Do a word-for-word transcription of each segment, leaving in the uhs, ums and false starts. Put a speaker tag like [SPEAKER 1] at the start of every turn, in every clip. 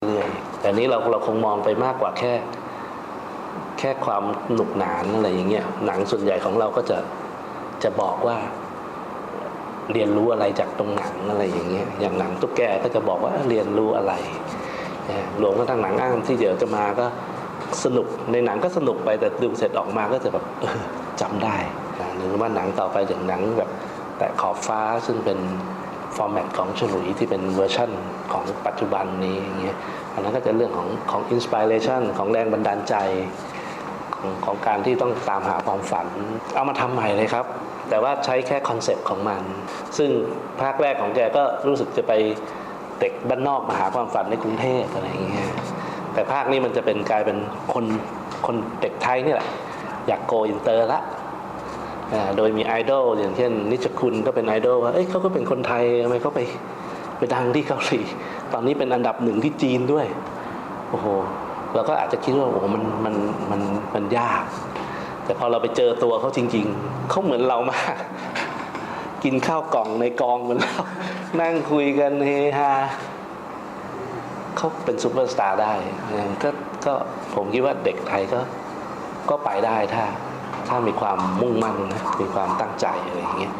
[SPEAKER 1] เรื่อยๆแต่นี้เราเราคงมองไปมากกว่าแค่แค่ความหนุกหนานอะไรอย่างเงี้ยหนังส่วนใหญ่ของเราก็จะจะบอกว่าเรียนรู้อะไรจากตรงหนังอะไรอย่างเงี้ยอย่างหนังตุ๊กแกก็จะบอกว่าเรียนรู้อะไรรวมทั้งหนังอ้างที่เดี๋ยวจะมาก็สนุกในหนังก็สนุกไปแต่ดูเสร็จออกมาก็จะแบบเออจำได้หรือว่าหนังต่อไปอย่างหนังแบบแต่ขอบฟ้าซึ่งเป็นฟอร์แมตของฉลุยที่เป็นเวอร์ชั่นของปัจจุบันนี้อย่างเงี้ยอันนั้นก็จะเรื่องของของอินสปิเรชันของแรงบันดาลใจของของการที่ต้องตามหาความฝันเอามาทำใหม่เลยครับแต่ว่าใช้แค่คอนเซปต์ของมันซึ่งภาคแรกของแกก็รู้สึกจะไปเด็กบ้านนอกมาหาความฝันในกรุงเทพอะไรอย่างเงี้ยแต่ภาคนี้มันจะเป็นกลายเป็นคนคนเด็กไทยนี่แหละอยากโกอินเตอร์ละโดยมีไอดอลอย่างเช่นนิชคุณก็เป็นไอดอลว่าเอ้ยเขาก็เป็นคนไทยทำไมเขาไปไปดังที่เกาหลีตอนนี้เป็นอันดับหนึ่งที่จีนด้วยโอ้โหเราก็อาจจะคิดว่าโอ้โหมันมันมันมันยากแต่พอเราไปเจอตัวเขาจริงๆเขาเหมือนเรามากกินข้าวกล่องในกองเหมือนเรานั่งคุยกันเฮฮาเขาเป็นซูเปอร์สตาร์ได้ก็ก็ผมคิดว่าเด็กไทยก็ก็ไปได้ถ้าถ้ามีความมุ่งมั่นนะมีความตั้งใจอะไรอย่างเงี้ย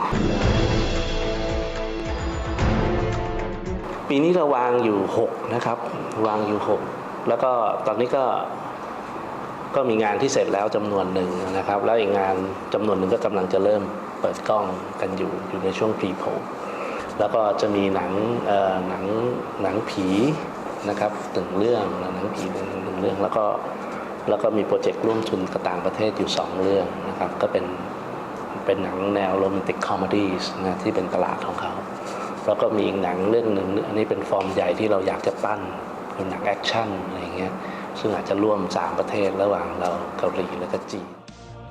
[SPEAKER 1] ปีนี้เราวางอยู่หกนะครับวางอยู่หกแล้วก็ตอนนี้ก็ก็มีงานที่เสร็จแล้วจำนวนหนึ่งนะครับแล้วอีกงานจำนวนหนึ่งก็กำลังจะเริ่มเปิดกล้องกันอยู่อยู่ในช่วงพรีโพลแล้วก็จะมีหนังเอ่อหนังหนังผีนะครับหนึ่งเรื่องหนังผีหนึ่งเรื่องแล้วก็แล้วก็มีโปรเจกต์ร่วมทุนกับต่างประเทศอยู่สองเรื่องนะครับก็เป็นเป็นหนังแนวโรแมนติกคอมเมดี้นะที่เป็นตลาดของเขาแล้วก็มีอีกหนังเรื่องหนึ่งอันนี้เป็นฟอร์มใหญ่ที่เราอยากจะปั้นเป็นหนังแอคชั่นอะไรอย่างเงี้ยซึ่งอาจจะร่วมสามประเทศระหว่างเราเกาหลีและก็จีน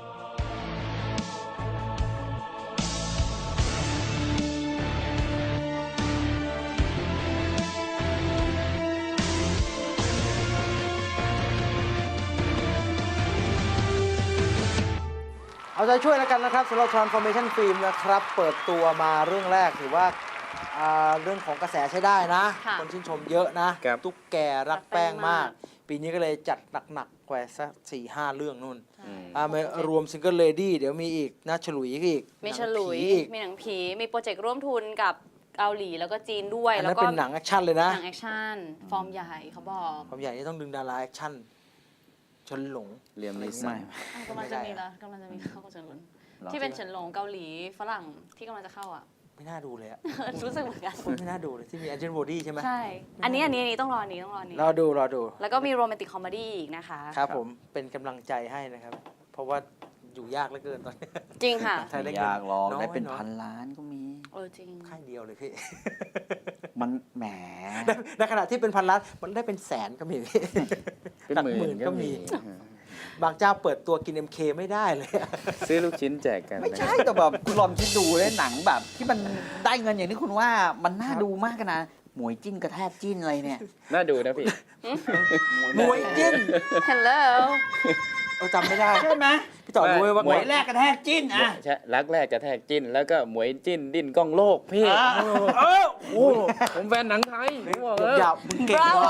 [SPEAKER 2] เอาใจช่วยแล้วกันนะครับสำหรับ Transformation Film นะครับเปิดตัวมาเรื่องแรกถือว่าเรื่องของกระแสใช้ได้นะคนชื่นชมเยอะนะตุ๊กแกรักแป้งมากปีนี้ก็เลยจัดหนักๆแกว่าสักสี่ห้าเรื่องนู่นมารวมซิงเกิลเลดี้เดี๋ยวมีอีกนะฉลุยอีก
[SPEAKER 3] มีฉลุยมีหนังผีมีโปรเจกต์ร่วมทุนกับเกาหลีแล้วก็จีนด้วย
[SPEAKER 2] แล้วก็เป็นหนังแอคชั่นเลยนะ
[SPEAKER 3] หนังแอคชั่นฟอร์มใหญ่เขาบอก
[SPEAKER 2] ฟอร์มใหญ่นี่ต้องดึงดาราแอคชั่นเฉินหลง
[SPEAKER 4] เรียมนิสัย
[SPEAKER 3] กำลังจะมีแล้วกำลังจะมีเข้าเฉินหลงที่เป็นเฉินหลงเกาหลีฝรั่งที่กำลังจะเข้าอ่ะ
[SPEAKER 2] ไม่น่าดูเลยอะ
[SPEAKER 3] รู้สึกเหมือนกัน
[SPEAKER 2] ไม่น่าดูเลยที่มีแอนเจนโบดี้ใช่ไหม
[SPEAKER 3] ใช่อันนี้อันนี้ต้องรออันนี้ต้องรออันนี้
[SPEAKER 2] รอดูรอดู
[SPEAKER 3] แล้วก็มีโรแมนติกคอมเมดี้อีกนะคะ
[SPEAKER 2] ครับผมเป็นกำลังใจให้นะครับเพราะว่าอยู่ยากเหลือเกินตอนนี้
[SPEAKER 3] จริงค่ะ
[SPEAKER 4] ไม่ยากหรอกได้เป็นพันล้านก็มี
[SPEAKER 3] เออจริง
[SPEAKER 2] ค่ายเดียวเลยพี่
[SPEAKER 4] มันแหม
[SPEAKER 2] ในขณะที่เป็นพันล้านมันได้เป็นแสนก็มี
[SPEAKER 4] เป็นหมื่นก็มี
[SPEAKER 2] บางเจ้าเปิดตัวกิน เอ็ม เค ไม่ได้เลย
[SPEAKER 4] ซื้อลูกชิ้นแจกกัน
[SPEAKER 2] ไม่ใช่แต่แบบ
[SPEAKER 4] คุณลองคิดดูเลยหนังแบบที่มันได้เงินอย่างที่คุณว่ามันน่าดูมากกันนะหมวยจิ้นกระแทกจิ้นอะไรเนี่ยน่าดูนะพี่
[SPEAKER 2] หมวยจิ้น
[SPEAKER 3] Hello
[SPEAKER 2] เออจำไม่ได้
[SPEAKER 4] ใช่ไหม
[SPEAKER 2] พี่ต่อรู้ว่า
[SPEAKER 4] หมวยแรกกระแทกจิ้นอ่ะใช่รักแรกกระแทกจิ้นแล้วก็หมวยจิ้นดิ้นกล้องโลกพี่เออโอ้ผมแฟนหนังไทยผมบอกเลย
[SPEAKER 2] อย่ามึงเก่งว่ะ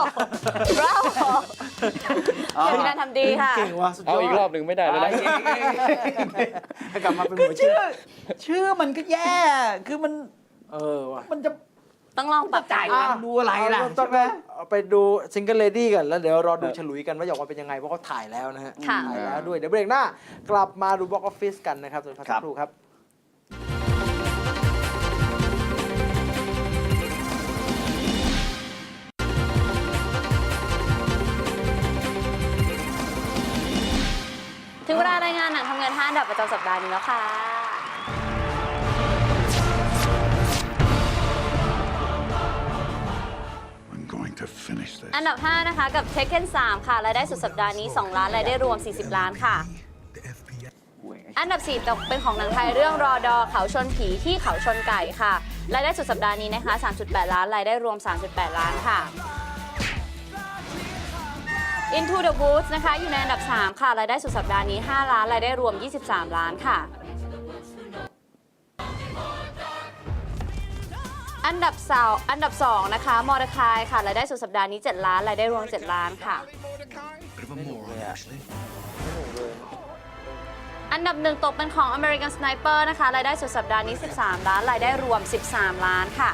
[SPEAKER 3] Bravo เป็นการทำดีค่ะ
[SPEAKER 2] เก่งว่ะสุดยอด
[SPEAKER 4] เอาอีกรอบหนึ่งไม่ได้แล้วนะ
[SPEAKER 2] ให้กลับมาเป็นหมวยจิ้น
[SPEAKER 4] ชื่อมันก็แย่คือมัน
[SPEAKER 2] เออว่ะ
[SPEAKER 4] มันจะ
[SPEAKER 3] ต้องลองปรับ
[SPEAKER 4] จ่ายดูอะไรล่ะ
[SPEAKER 2] ใช่ไหมไปดูซิงเกิลเลดี้กันแล้วเดี๋ยวรอดูฉลุยกันว่าอยากว่าเป็นยังไงเพราะเขาถ่ายแล้วนะฮะถ่ายแล้วด้วยเดี๋ยวเบรกหน้ากลับมาดูบ็อกออฟฟิศกันนะครับส่วนพักสักครู่ครับ
[SPEAKER 3] ถึงเวลารายงานหนังทำเงินห้าอันดับประจำสัปดาห์นี้แล้วค่ะอันดับห้านะคะกับ Taken สามค่ะรายได้สุดสัปดาห์นี้สองล้านรายได้รวมสี่สิบล้านค่ะอันดับสี่เป็นของหนังไทยเรื่องรอดอเขาชนผีที่เขาชนไก่ค่ะรายได้สุดสัปดาห์นี้นะคะ สามจุดแปด ล้านรายได้รวม สามจุดแปด ล้านค่ะ Into the Woods นะคะอยู่ในอันดับสามค่ะรายได้สุดสัปดาห์นี้ห้าล้านรายได้รวมยี่สิบสามล้านค่ะอันดับสาวอันดับสองนะคะมอร์คายค่ะรายได้สุดสัปดาห์นี้เจ็ดล้านรายได้รวมเจ็ดล้านค่ะ
[SPEAKER 2] ไม่หนุกเลยอะไม่หนุกเลย
[SPEAKER 3] อันดับหนึ่งตกเป็นของ American Sniper นะคะรายได้สุดสัปดาห์นี้สิบสามล้านรายได้รวมสิบสามล้านค่ะ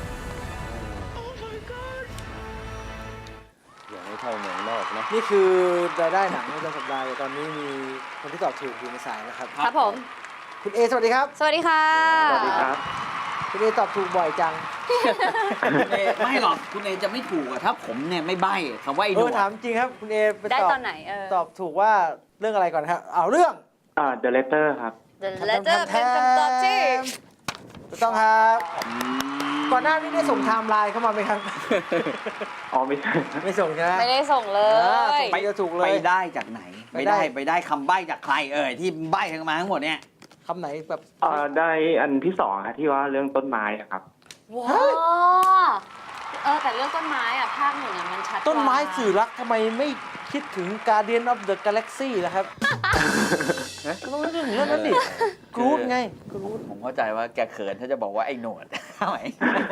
[SPEAKER 4] อย่าให้เท่าเมืองนอกนะ
[SPEAKER 2] นี่คือรายได้หนังประจำสัปดาห์แต่ตอนนี้มีคนที่ตอบถูกอยู่ในสายนะครับ
[SPEAKER 3] ครับผม
[SPEAKER 2] คุณเอสวัสดีครับ
[SPEAKER 3] สวัสดีค่ะ
[SPEAKER 5] สวัสดีครับ
[SPEAKER 2] คุณเอตอบถูกบ่อยจัง
[SPEAKER 5] คุณเอไม่หรอกคุณเอจะไม่ถูกอะถ้าผมเนี่ยไม่ใบ้คำว่าไอ้ห
[SPEAKER 2] เอน
[SPEAKER 5] ว
[SPEAKER 2] อ
[SPEAKER 5] ด
[SPEAKER 2] ถามจริงครับคุณเอไป
[SPEAKER 3] ได้
[SPEAKER 2] ตอบ
[SPEAKER 3] ตอนไหนเออ
[SPEAKER 2] ตอบถูกว่าเรื่องอะไรก่อนครับเอาเรื่อง
[SPEAKER 6] อ่า The Letter ครับ
[SPEAKER 3] The Letter เป็นคำตอบที่
[SPEAKER 2] ถูกต้องครับก่อนหน้านี้ได้ส่งไทม์ไลน์เข้ามาไหมครับ
[SPEAKER 6] อ๋อ ไม่ใช่
[SPEAKER 2] ไม่ส่งใช่ไหม
[SPEAKER 3] ไม่ได้ส่งเล
[SPEAKER 2] อ่าย ส่งไปจะถูกเล
[SPEAKER 5] ไป
[SPEAKER 2] ย
[SPEAKER 5] ได้จากไหน
[SPEAKER 2] ไป
[SPEAKER 5] ไป
[SPEAKER 2] ได้
[SPEAKER 5] ได้ไปได้คำใบ้จากใครเอ่ยที่ใบ้ทั้งมาทั้งหมดเนี่ย
[SPEAKER 2] คำไหนแบบ
[SPEAKER 6] อ่า ได้อันที่สองครับที่ว่าเรื่องต้นไม้อะครับ
[SPEAKER 3] ว้าเออแต่เรื่องต้นไม้อ่ะภาคหนึ่งอ่ะมันชัดกว่า
[SPEAKER 2] ต้นไม้สื่อรักทำไมไม่คิดถึง Guardian of the Galaxy ล่ะครับก็ต้องนึกถึงเรื่องนั้นดิกรูดไงกรูด
[SPEAKER 5] ผมเข้าใจว่าแกเขินถ้าจะบอกว่าไอ้หนวด ทำไม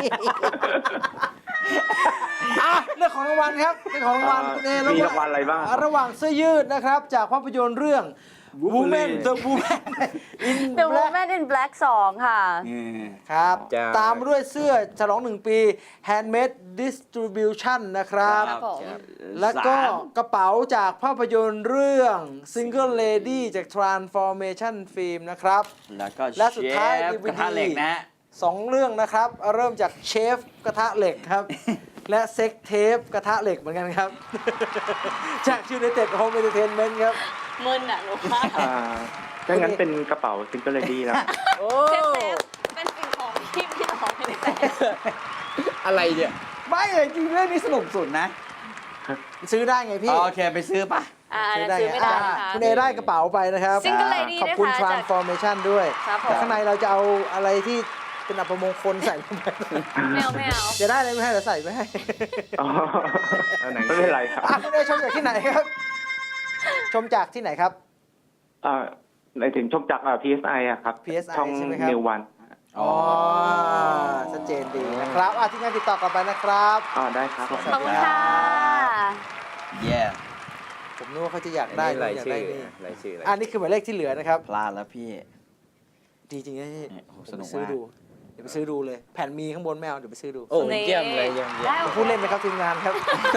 [SPEAKER 2] อ่ะเรื่องของรางวัลครับเรื่องของรางวัลคุณเอ
[SPEAKER 6] มีรางวัลอะไรบ้างครับ
[SPEAKER 2] ระหว่างเสื้อยืดนะครับจากภาพยนตร์เรื่อง Woman the Woman in
[SPEAKER 3] The
[SPEAKER 2] Black
[SPEAKER 3] Woman in Black สองค่ะ
[SPEAKER 2] ครับ
[SPEAKER 4] จ้า
[SPEAKER 2] ตามด้วยเสื้อฉลองหนึ่งปี Handmade Distribution นะครับ
[SPEAKER 3] ครับผม
[SPEAKER 2] แล้วก็
[SPEAKER 5] สาม
[SPEAKER 2] กระเป๋าจากภาพยนตร์เรื่อง Single Lady จาก Transformation Film นะครับ
[SPEAKER 5] แล้วก็
[SPEAKER 2] และสุดท้าย
[SPEAKER 5] เชฟ
[SPEAKER 2] ดี วี
[SPEAKER 5] กระทะเหล็กนะฮะ
[SPEAKER 2] สองเรื่องนะครับ เริ่มจากเชฟกระทะเหล็กครับ และเซ็กเทปกระทะเหล็กเหมือนกันครับ จาก United Home Entertainment ครับ
[SPEAKER 3] มึนอ่ะหนูว่า
[SPEAKER 6] อ่าถ้างั้นเป็นกระเป๋า Single Lady แล้ว
[SPEAKER 2] โอ้
[SPEAKER 3] เซฟเซฟเป็นสิ่งของที่พี่ต่อไม่ได้แต่
[SPEAKER 4] อะไรเนี่ย
[SPEAKER 5] ไม่เลยจริงเรื่องนี้สนุกสุดนะ
[SPEAKER 2] ซื้อได้ไงพี่
[SPEAKER 5] โอเคไปซื้อปะ
[SPEAKER 3] อ่าอันนั้นซื้อไม่ได้
[SPEAKER 2] อ่า
[SPEAKER 3] นะคะ
[SPEAKER 2] คุณเอได้กระเป๋าไปนะครับ
[SPEAKER 3] Single Lady
[SPEAKER 2] ขอบคุณ
[SPEAKER 3] นะคะจาก
[SPEAKER 2] Transformation ด้วย
[SPEAKER 3] ครับผม
[SPEAKER 2] แต่ข้างในเราจะเอาอะไรที่เป็นอัปมงคลใส่ลงไป
[SPEAKER 3] ไม่เอาไม่เอา
[SPEAKER 2] จะได้อะไรไม่ให้เดี๋ยวใส่ไม่ให้
[SPEAKER 6] อ๋อ
[SPEAKER 4] เอาไหน
[SPEAKER 6] ไม่เป็นไรครับ
[SPEAKER 2] อ่ะคุณเอชมจากที่ไหนครับ ชมจากที่ไหนครับ
[SPEAKER 6] อ่าในถึงชมจากอ่า พี เอส ไอ อะครับ
[SPEAKER 2] พี เอส ไอ
[SPEAKER 6] ช่อง
[SPEAKER 2] ใช่ไหมครับ
[SPEAKER 6] New One
[SPEAKER 2] อ๋อชัดเจนดีนะครับอ่ะที่งานติดต่อกลับไปนะครับ
[SPEAKER 6] อ๋อ ได้ครับ
[SPEAKER 3] ขอบคุณค่ะ
[SPEAKER 5] เย่
[SPEAKER 2] ผมนึกว่าเขาจะอยาก
[SPEAKER 4] อัน
[SPEAKER 2] ได้
[SPEAKER 4] นี้ราย
[SPEAKER 2] อยาก
[SPEAKER 4] ชื่อ
[SPEAKER 2] ได้นี่
[SPEAKER 4] รายชื่ออะไร
[SPEAKER 2] อันนี้คือหมายเลขที่เหลือนะครับ
[SPEAKER 5] พลาดแล้วพี่
[SPEAKER 2] ดีจริงนะพี่
[SPEAKER 5] เนี่ยโอ้โห
[SPEAKER 2] เดี๋ยว
[SPEAKER 5] สนุ
[SPEAKER 2] ไป
[SPEAKER 5] ก
[SPEAKER 2] ซื้อ
[SPEAKER 5] มาก
[SPEAKER 2] ดูเดี๋ยวไปซื้อดูเลย แผ่นมีข้างบนไม่เอาเดี๋ยวไปซื้อดู
[SPEAKER 4] โอ้เยี่ยมเลยเยี่ยมเยี่ย
[SPEAKER 3] ได้
[SPEAKER 4] ม
[SPEAKER 3] โอเค
[SPEAKER 2] พูดเล่นนะครับทีมงานครับ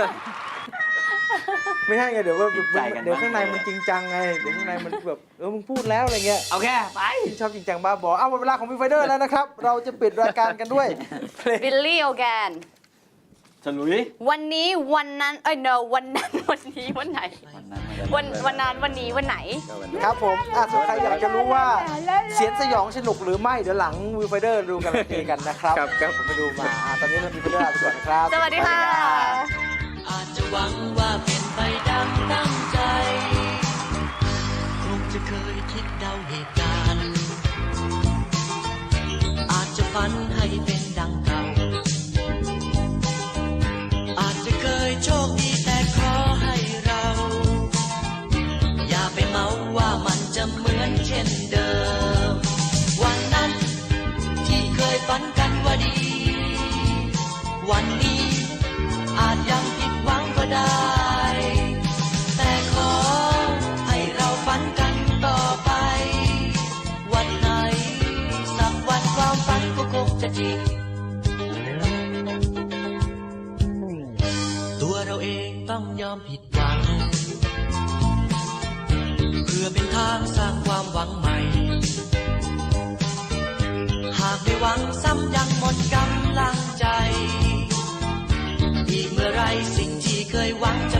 [SPEAKER 2] ไม่ใช่ไงเดี๋ยวว่า
[SPEAKER 5] ใจกัน
[SPEAKER 2] เดี๋ยวข้างใน
[SPEAKER 5] มากเลย
[SPEAKER 2] มันจริงจังไงเดี๋ยวข้างในมันแบบเออมึงพูดแล้วอะไรเงี้ย
[SPEAKER 5] โอเคไป
[SPEAKER 2] ที่ชอบจริงจังบ้าบอเอาหมดเวลาของวีไฟเดอร์แล้วนะครับ เราจะปิดรายการกันด้วยเพลง
[SPEAKER 3] บิลลี่โอแกน
[SPEAKER 5] ฉลุย
[SPEAKER 3] วันนี้วันนั้น เอ้ย no วันนั้น วันนี้วันไหน วันวันนั้นวันนี้วันไหน
[SPEAKER 2] ครับผมอ่ะส่วนใครอยากจะรู้ว่าเสียงสยองสนุกหรือไม่เดี๋ยวหลังวีไฟเดอร์ดูกันเองกันนะครับ
[SPEAKER 4] ครับครับ
[SPEAKER 2] ผมไปดูมาอ่ะตอนนี้เราวีไฟเดอร์ลาไปก่อนนะครับ
[SPEAKER 3] สวัสดีค่ะ
[SPEAKER 7] อาจจะหวังว่าเป็นไปดังตั้งใจ คงจะเคยคิดเดาเหตุการณ์ อาจจะฝันให้เป็นดังเก่า อาจจะเคยโชคดีแต่ขอให้เรา อย่าไปเมาว่ามันจะเหมือนเช่นเดิม วันนั้นที่เคยฝันกันว่าดี วันนี้อาจยังผิดหวังก็ได้ แต่ขอให้เราฝันกันต่อไป วันไหนสักวันความฝันก็คงจะจริง ตัวเราเองต้องยอมผิดหวัง เพื่อเป็นทางสร้างความหวังใหม่ หากได้หวังซ้ำยังหมดกำลังใจ อีกเมื่อไรสิ่งที่เคยหวังจะ